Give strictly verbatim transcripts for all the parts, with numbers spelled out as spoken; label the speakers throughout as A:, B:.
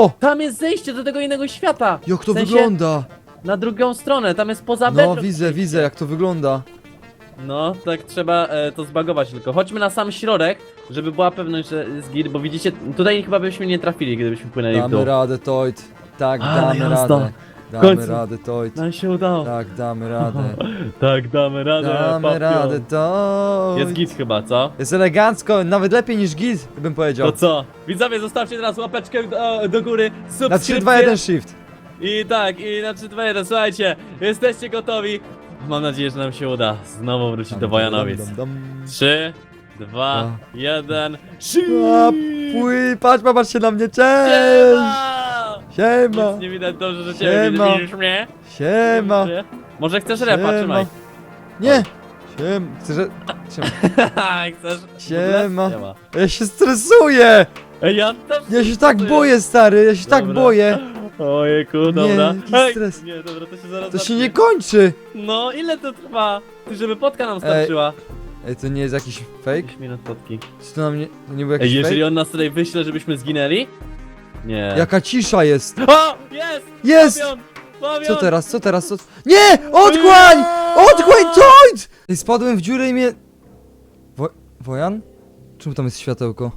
A: Co?
B: Tam jest zejście do tego innego świata!
A: Jak to
B: W sensie
A: wygląda?
B: Na drugą stronę, tam jest poza
A: No
B: bedrock.
A: widzę, widzę jak to wygląda.
B: No, tak trzeba e, to zbagować tylko. Chodźmy na sam środek, żeby była pewność, że jest git, bo widzicie, tutaj chyba byśmy nie trafili, gdybyśmy płynęli w dół.
A: Damy radę, Toid. Tak,
B: Ale
A: damy
B: jazda.
A: radę.
B: W
A: Damy
B: końcu.
A: radę, Toid.
B: Nam się udało.
A: Tak, damy radę.
B: Tak, damy radę,
A: Damy
B: papion.
A: radę, Toid.
B: Jest git chyba, co?
A: Jest elegancko, nawet lepiej niż git, bym powiedział.
B: To co? Widzowie, zostawcie teraz łapeczkę do, do góry, subskrypcję.
A: Na trzy, dwa, jeden shift.
B: I tak, i na trzy, dwa, jeden, słuchajcie, jesteście gotowi? Mam nadzieję, że nam się uda znowu wrócić do Wojanowic.
A: Dam, dam, dam.
B: trzy, dwa, jeden,
A: A, Pły, patrz, patrz się na mnie, cześć! Siema!
B: Nic nie widać, dobrze, że ciebie
A: Siema.
B: widzisz mnie?
A: Siema!
B: Może chcesz repa,
A: Siema.
B: trzymaj.
A: Nie! Siema! Chcesz... że- Siema.
B: Chcesz?
A: Siema.
B: Siema.
A: Ja się stresuję!
B: Ej, ja też
A: Ja się tak
B: stresuję.
A: boję, stary, ja się tak
B: Dobra.
A: boję!
B: Ojejku, dobra.
A: jaki
B: Ej,
A: stres.
B: nie, dobra, to się zaraz
A: To się
B: zacznie.
A: nie kończy!
B: No, ile to trwa? Ty, żeby potka nam starczyła.
A: Ej, to nie jest jakiś fake?
B: pięć minut potki.
A: Czy to na mnie... To nie był
B: Ej,
A: jakiś
B: jeżeli
A: fake?
B: on nas tutaj wyśle, żebyśmy zginęli? Nie.
A: Jaka cisza jest!
B: O! Jest!
A: Jest!
B: Fabian! Fabian!
A: Co teraz, co teraz, co... Nie! Odchłań! Odchłań, Toid! Ej, spadłem w dziurę i mnie... Wo... Wojan? Czemu tam jest światełko?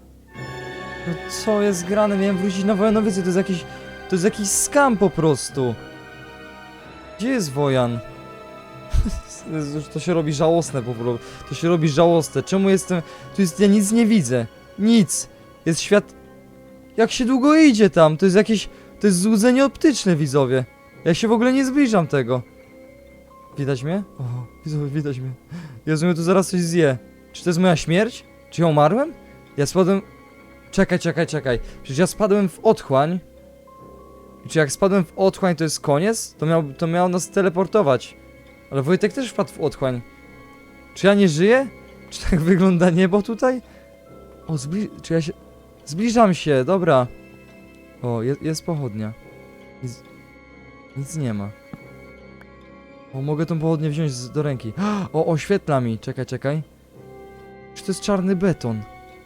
A: No co jest grane? Miałem wrócić na Wojanowice, to jest jakiś... To jest jakiś skam po prostu. Gdzie jest Wojan? Jezu, to się robi żałosne po prostu. To się robi żałosne. Czemu jestem... Tu jest... Ja nic nie widzę. Nic. Jest świat... Jak się długo idzie tam? To jest jakieś... To jest złudzenie optyczne, widzowie. Ja się w ogóle nie zbliżam tego. Widać mnie? O, widzowie, widać mnie. Jezu, mnie tu zaraz coś zje. Czy to jest moja śmierć? Czy ja umarłem? Ja spadłem... Czekaj, czekaj, czekaj. Przecież ja spadłem w otchłań. I czy jak spadłem w otchłań, to jest koniec? To miał, to miał nas teleportować. Ale Wojtek też wpadł w otchłań. Czy ja nie żyję? Czy tak wygląda niebo tutaj? O, zbli... Czy ja się... Zbliżam się, dobra. O, jest, jest pochodnia. Nic, nic nie ma. O, mogę tą pochodnię wziąć z, do ręki. O, oświetla mi. Czekaj, czekaj. Czy to jest czarny beton?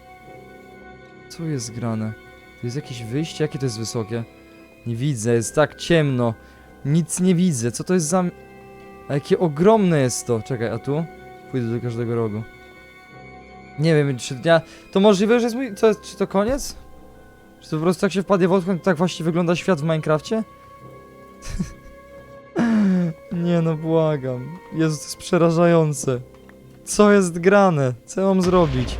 A: Co jest grane? Tu jest jakieś wyjście? Jakie to jest wysokie? Nie widzę, jest tak ciemno. Nic nie widzę. Co to jest za... A jakie ogromne jest to. Czekaj, a tu? Pójdę do każdego rogu. Nie wiem, czy ja... To możliwe, że jest mój... Co, czy to koniec? Czy to po prostu tak się wpadnie w otchłań, tak właśnie wygląda świat w Minecrafcie? Nie no, błagam. Jezu, to jest przerażające. Co jest grane? Co ja mam zrobić?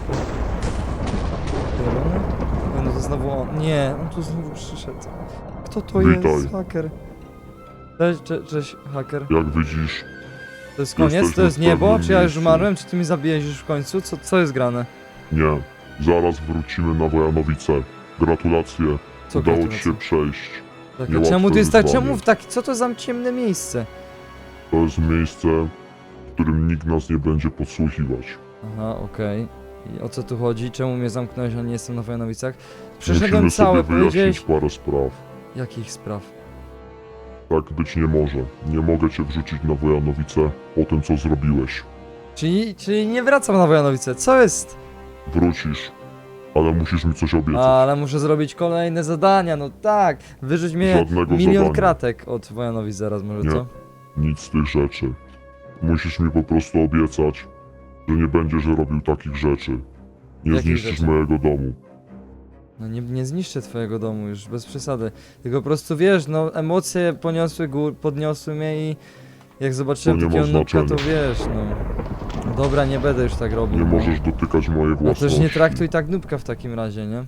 A: Zielony? Nie, no to znowu on. Nie, on tu znowu przyszedł. Kto to
C: Witaj.
A: jest? Haker. Cześć, cześć, cześć, haker.
C: Jak widzisz,
A: To jest koniec?
C: Jesteśmy
A: To jest
C: w
A: niebo?
C: pewnym
A: Czy ja już
C: miejscu.
A: umarłem? Czy ty mi zabijesz już w końcu? Co, co jest grane?
C: nie. Zaraz wrócimy na Wojanowice. Gratulacje.
A: Co
C: Udało ci
A: gratulacje?
C: się przejść.
A: Tak, a
C: niełatwe
A: czemu tu jest tak?
C: wyzwanie.
A: Czemu w tak? Co to za ciemne miejsce?
C: To jest miejsce, w którym nikt nas nie będzie podsłuchiwać.
A: Aha, okej. I o co tu chodzi? Czemu mnie zamknąłeś, a nie jestem na Wojanowicach? Przeszedłem
C: Musimy
A: całe,
C: sobie wyjaśnić
A: powiedziałeś...
C: parę spraw.
A: Jakich spraw?
C: Tak być nie może. Nie mogę cię wrzucić na Wojanowice po tym, co zrobiłeś.
A: Czyli, czyli nie wracam na Wojanowice, co jest?
C: Wrócisz, ale musisz mi coś obiecać.
A: Ale muszę zrobić kolejne zadania, no tak. Wyrzuć mnie
C: Żadnego
A: milion
C: zadania.
A: kratek od Wojanowic zaraz, może
C: Nie.
A: co?
C: Nic z tych rzeczy. Musisz mi po prostu obiecać, że nie będziesz robił takich rzeczy. Nie
A: Jakich
C: zniszczysz
A: rzeczy?
C: mojego domu.
A: No nie, nie zniszczę twojego domu już, bez przesady. Tylko po prostu wiesz, no emocje poniosły gór, podniosły mnie i jak zobaczyłem
C: To nie
A: takiego
C: ma
A: nubka, to
C: znaczenia.
A: wiesz, no. No dobra, nie będę już tak robił.
C: Nie
A: no.
C: możesz dotykać mojej
A: No
C: własności.
A: też nie traktuj tak nubka w takim razie, nie?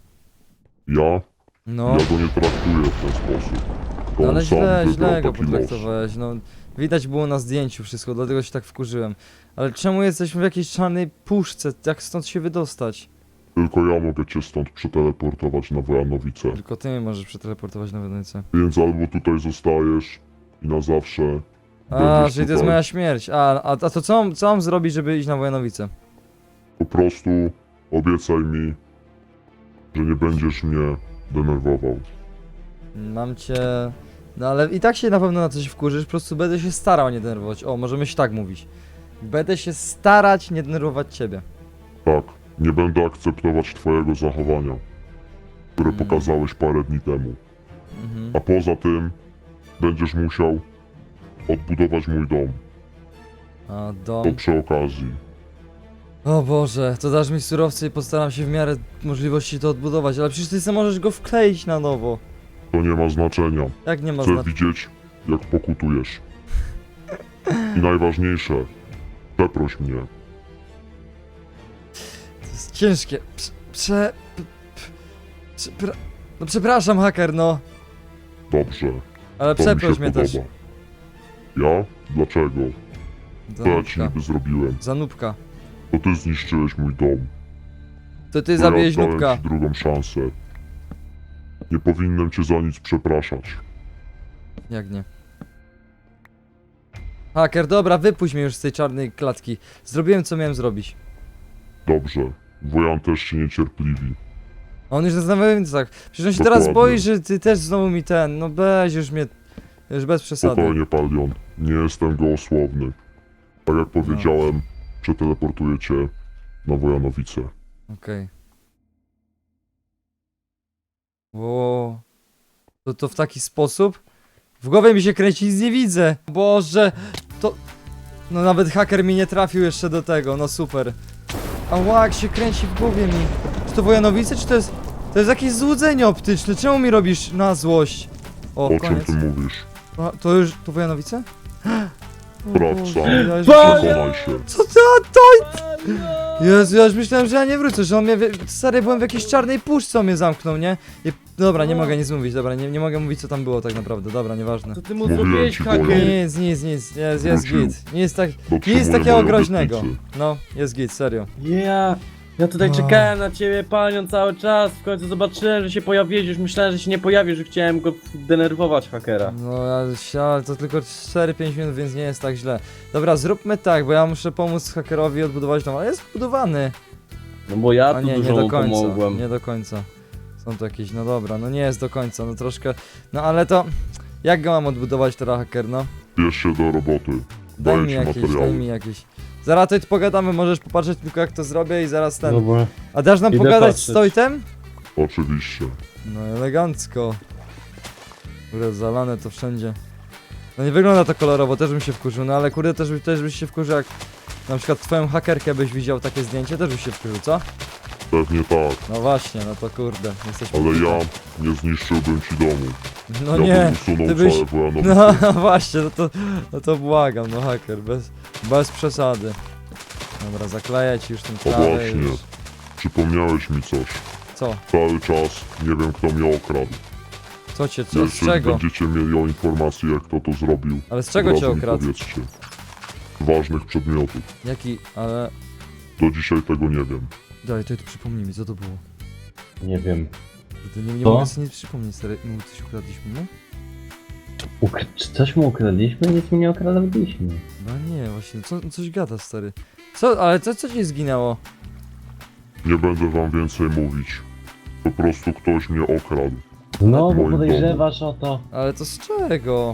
C: Ja?
A: No,
C: Ja go nie traktuję w ten sposób. To
A: no
C: on
A: ale
C: sam
A: źle,
C: wybrał
A: źle go
C: taki los.
A: potraktowałeś, no. Widać było na zdjęciu wszystko, dlatego się tak wkurzyłem. Ale czemu jesteśmy w jakiejś czarnej puszce? Jak stąd się wydostać?
C: Tylko ja mogę cię stąd przeteleportować na Wojanowice.
A: Tylko ty mnie możesz przeteleportować na Wenecję.
C: Więc albo tutaj zostajesz i na zawsze
A: A,
C: będziesz
A: czyli to jest
C: tutaj.
A: moja śmierć. A, a, a to co, mam- co mam zrobić, żeby iść na Wojanowice?
C: Po prostu obiecaj mi, że nie będziesz mnie denerwował.
A: Mam cię... No ale i tak się na pewno na coś wkurzysz, po prostu będę się starał nie denerwować. O, możemy się tak mówić. Będę się starać nie denerwować ciebie.
C: Tak, nie będę akceptować twojego zachowania. które
A: Mm.
C: pokazałeś parę dni temu.
A: Mhm.
C: A poza tym będziesz musiał odbudować mój dom.
A: A
C: To
A: dom...
C: przy okazji.
A: O Boże, to dasz mi surowce i postaram się w miarę możliwości to odbudować, ale przecież ty sam możesz go wkleić na nowo.
C: To nie ma znaczenia.
A: Jak nie ma
C: Chcę
A: znaczenia?
C: widzieć, jak pokutujesz. I najważniejsze, przeproś mnie.
A: To jest ciężkie. Prze... prze... p- p- przepra... No przepraszam, haker, no.
C: Dobrze,
A: Ale
C: to mi się
A: przeproś mnie
C: podoba.
A: też.
C: Ja? Dlaczego? Co ja ci
A: Zanupka.
C: niby zrobiłem?
A: Zanupka.
C: To ty zniszczyłeś mój dom.
A: To ty
C: Bo
A: zabiłeś
C: ja dałem
A: nubka.
C: ci drugą szansę. Nie powinienem cię za nic przepraszać.
A: Jak nie? Haker, dobra, wypuść mnie już z tej czarnej klatki. Zrobiłem co miałem zrobić.
C: Dobrze, Wojan też się niecierpliwi.
A: A on już zastanawiał więc tak. Przecież on się teraz
C: Dokładnie.
A: boi, że ty też znowu mi ten. No weź już mnie. Już bez przesady.
C: Spokojnie, Palion. Nie jestem gołosłowny. Tak jak powiedziałem, przeteleportuję cię na Wojanowice.
A: Okej. Ło. To to w taki sposób? W głowie mi się kręci, nic nie widzę. Boże, to... No nawet haker mi nie trafił jeszcze do tego, no super. A jak się kręci w głowie mi. Czy to Wojanowice, czy to jest... To jest jakieś złudzenie optyczne, czemu mi robisz na złość? O,
C: O czym
A: koniec.
C: ty mówisz?
A: A, to już... to Wojanowice? O
C: Sprawdź
A: Boże,
C: sam.
A: ja już
B: Ba-
A: myślałem-
C: Przekonaj się.
A: Co to? To... Jezu, ja już myślałem, że ja nie wrócę, że on mnie... wie- Stary, byłem w jakiejś czarnej puszce, on mnie zamknął, nie? I... Dobra, nie mogę nic mówić, dobra, nie, nie mogę mówić co tam było tak naprawdę, dobra, nieważne.
B: Co ty mu
C: Mówiłem
B: zrobiłeś,
C: ci,
B: haker?
C: Wojan.
A: Nic, nic, nic, jest, jest
C: Wrócił.
A: git. Nie jest tak... Nie
C: Dotrzymuję
A: jest takiego
C: mojej
A: groźnego.
C: obietnicy.
A: No, jest git, serio.
B: Ja, ja tutaj
A: No.
B: czekałem na ciebie, panią, cały czas. W końcu zobaczyłem, że się pojawiłeś. Już myślałem, że się nie pojawisz, że chciałem go denerwować, hakera.
A: No, ja, się- ale to tylko cztery pięć minut, więc nie jest tak źle. Dobra, zróbmy tak, bo ja muszę pomóc hakerowi odbudować dom, ale jest budowany.
B: No bo ja
A: A
B: tu
A: nie, nie
B: dużo
A: do
B: mu
A: końca,
B: pomogłem.
A: nie do końca. Są tu jakieś, no dobra, no nie jest do końca, no troszkę... No ale to... Jak go mam odbudować teraz, haker, no?
C: Bierz się do roboty.
A: Daj
C: Daję
A: mi
C: ci
A: jakieś, daj
C: materiały.
A: mi jakieś. Zaraz tutaj pogadamy, możesz popatrzeć tylko jak to zrobię i zaraz ten...
B: Dobra.
A: A dasz nam
B: Idę
A: pogadać z
B: patrzeć.
A: Tojtem?
C: Oczywiście.
A: No elegancko. Kurde, zalane to wszędzie. No nie wygląda to kolorowo, też bym się wkurzył, no ale kurde też, by- też byś się wkurzył jak... Na przykład twoją hakerkę byś widział takie zdjęcie, też byś się wkurzył, co?
C: Pewnie tak,
A: No właśnie, no to kurde, jesteśmy...
C: ale ja nie zniszczyłbym ci domu.
A: No
C: ja
A: nie,
C: bym usunął
A: ty byś...
C: całe Wojanowice.
A: No właśnie, no to, no to błagam, no haker, bez, bez przesady. Dobra, zakleję ci już ten
C: O
A: trawę
C: właśnie.
A: już.
C: Przypomniałeś mi coś.
A: Co?
C: Cały czas nie wiem, kto mnie okradł.
A: Co cię, co, z
C: Jeżeli
A: czego?
C: będziecie mieli o informację, jak kto to zrobił,
A: Ale z
C: od
A: czego cię
C: razu mi
A: okradł?
C: powiedzcie. Ważnych przedmiotów.
A: Jaki, ale...
C: Do dzisiaj tego nie wiem.
A: Daj, to, to przypomnij mi, co to było?
B: Nie wiem.
A: Kurde, nie, nie
B: Co?
A: mogę sobie nie przypomnieć, stary, mu coś ukradliśmy, no?
B: Ukr- czy coś mu ukradliśmy? Nic mu nie ukradliśmy.
A: Chyba nie, właśnie, co, coś gada, stary. Co, ale co, co ci zginęło?
C: Nie będę wam więcej mówić. Po prostu ktoś mnie okradł.
B: Znowu
C: Moim
B: podejrzewasz o to.
A: Ale to z czego?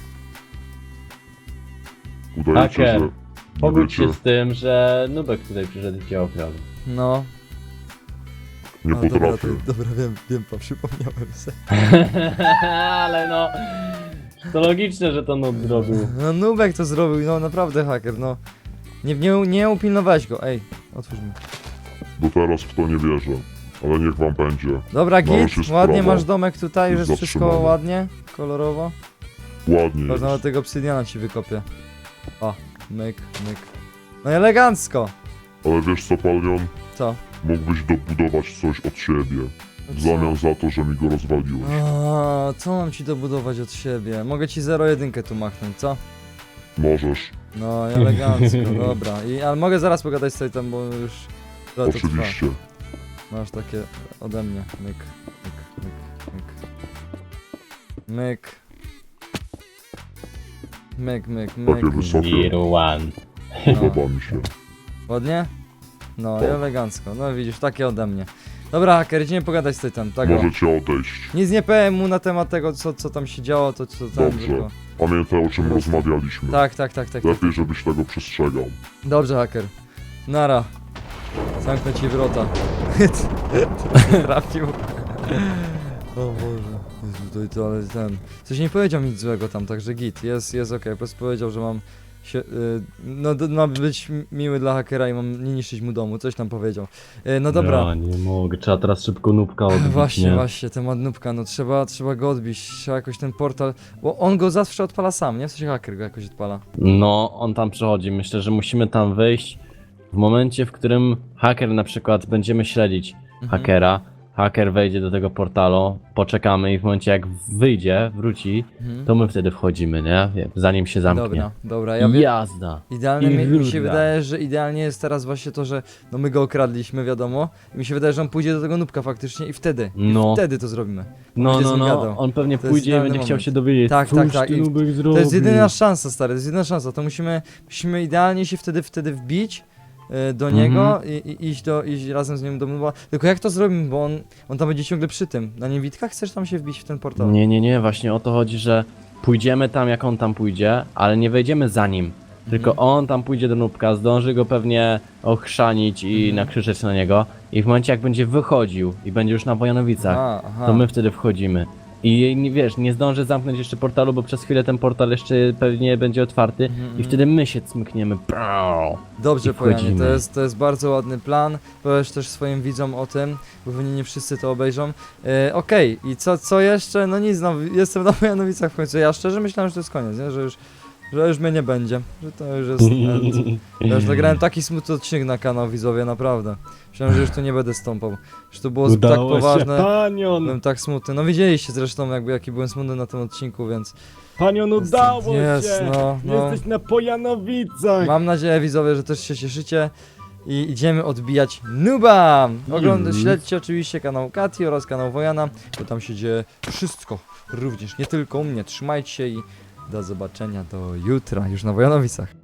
C: Udajecie,
B: Haker,
C: że nie
B: Pogódź się
C: wiecie,
B: z tym, że Nubek tutaj przyszedł i cię okradł.
A: No.
C: nie
A: A, dobra,
C: potrafię.
A: to, dobra, wiem, wiem, pa, przypomniałem sobie.
B: Ale no... To logiczne, że to Nub zrobił.
A: No, Nubek to zrobił, no naprawdę haker, no. Nie, nie, nie upilnowałeś go, ej, otwórz mi.
C: Do teraz w to nie wierzę. Ale niech wam będzie.
A: Dobra,
C: No, już
A: git,
C: jest
A: ładnie
C: sprawa.
A: masz domek tutaj, już
C: Już
A: jest wszystko
C: zatrzymane.
A: ładnie, kolorowo.
C: Ładnie
A: Patrz,
C: jest.
A: nawet tego obsydiana ci wykopię. O, myk, myk. No i elegancko.
C: Ale wiesz co, Palion?
A: Co?
C: Mógłbyś dobudować coś od siebie. W zamian za to, że mi go rozwaliłeś.
A: A, co mam ci dobudować od siebie? Mogę ci zero jeden tu machnąć, co?
C: Możesz.
A: No i elegancko, dobra. I, ale mogę zaraz pogadać z Sejtem, bo już trochę to trwa.
C: Oczywiście.
A: Masz takie ode mnie. Myk, myk, myk, myk. Myk. Myk, myk, myk.
C: Takie wysokie.
B: Zero one.
A: No.
C: Podoba mi się.
A: Ładnie? No i
C: Tak.
A: elegancko. No widzisz, takie ode mnie. Dobra, haker, idziemy pogadać z Sejtem, tak o.
C: Możecie odejść.
A: Nic nie powiem mu na temat tego, co, co tam się działo, to co tam
C: Dobrze.
A: tylko...
C: Pamiętaj, o czym
A: Po prostu.
C: rozmawialiśmy.
A: Tak, tak, tak, tak. tak.
C: Lepiej, żebyś tego przestrzegał.
A: Dobrze, haker. Nara. Zamknę ci wrota. Trafił. O Boże. Jezu, tutaj to, ale ten... Coś nie powiedział nic złego tam, także git, jest, jest okej, po prostu powiedział, że mam się, y, no, d- ma być mi- miły dla hakera i mam nie niszczyć mu domu, coś tam powiedział. Y, no dobra.
B: Ja nie mogę, trzeba teraz szybko nubka odbić,
A: Właśnie,
B: nie?
A: właśnie, temat nubka, no trzeba, trzeba go odbić, trzeba jakoś ten portal, bo on go zawsze odpala sam, nie? W sensie haker go jakoś odpala.
B: No, on tam przychodzi. Myślę, że musimy tam wyjść w momencie, w którym haker na przykład będziemy śledzić
A: Mhm.
B: hakera. Haker wejdzie do tego portalu, poczekamy i w momencie jak wyjdzie, wróci,
A: Mhm.
B: to my wtedy wchodzimy, nie? Zanim się zamknie.
A: Dobra, dobra, ja wiem.
B: Jazda.
A: Idealnie
B: I
A: mi, mi się
B: rura.
A: wydaje, że idealnie jest teraz właśnie to, że no my go okradliśmy, wiadomo. I mi się wydaje, że on pójdzie do tego nubka faktycznie i wtedy,
B: No.
A: i wtedy to zrobimy.
B: No,
A: będzie
B: no,
A: z nim
B: no,
A: gadał.
B: on pewnie
A: To jest
B: pójdzie i
A: idealny
B: będzie chciał
A: moment.
B: się dowiedzieć,
A: Tak, tak,
B: cóż
A: tak.
B: ty
A: I
B: nubek
A: To
B: zrobił.
A: jest jedyna szansa, stary, to jest jedyna szansa. To musimy, musimy idealnie się wtedy, wtedy wbić y, do
B: Mhm.
A: niego i, i iść, do, iść razem z nim do nuba. Tylko jak to zrobimy, bo on, on tam będzie ciągle przy tym. Na niewitkach chcesz tam się wbić w ten portal?
B: Nie, nie, nie, właśnie o to chodzi, że pójdziemy tam jak on tam pójdzie, ale nie wejdziemy za nim. Tylko
A: Mhm.
B: on tam pójdzie do nubka, zdąży go pewnie ochrzanić i
A: Mhm.
B: nakrzyczeć na niego. I w momencie jak będzie wychodził i będzie już na Wojanowicach,
A: Aha, aha.
B: to my wtedy wchodzimy. I nie wiesz, nie zdąży zamknąć jeszcze portalu, bo przez chwilę ten portal jeszcze pewnie będzie otwarty
A: Mhm,
B: i
A: mhm.
B: wtedy my się cmykniemy. Brrr.
A: Dobrze,
B: I
A: Pojanie,
B: wchodzimy.
A: to jest, to jest bardzo ładny plan. Powiesz też swoim widzom o tym, bo pewnie nie wszyscy to obejrzą. E, Okej, i co, co jeszcze? No nic, no, jestem na Wojanowicach w końcu. Ja szczerze myślałem, że to jest koniec, nie? Że już, że już mnie nie będzie, że to już jest end. Ja już nagrałem taki smutny odcinek na kanał, widzowie, naprawdę. Myślałem, że już tu nie będę stąpał. Że to było tak
B: Udało się,
A: poważne.
B: panion!
A: Byłem tak smutny. No widzieliście zresztą jakby jaki byłem smutny na tym odcinku, więc
B: Panion, udało
A: Jest,
B: się!
A: no, no.
B: Jesteś na Pojanowicach!
A: mam nadzieję, widzowie, że też się cieszycie. I idziemy odbijać Nuba! Oglądajcie,
B: Już.
A: śledźcie oczywiście kanał Kati oraz kanał Wojana, bo tam się dzieje wszystko. Również nie tylko u mnie. Trzymajcie się i do zobaczenia do jutra już na Wojanowicach.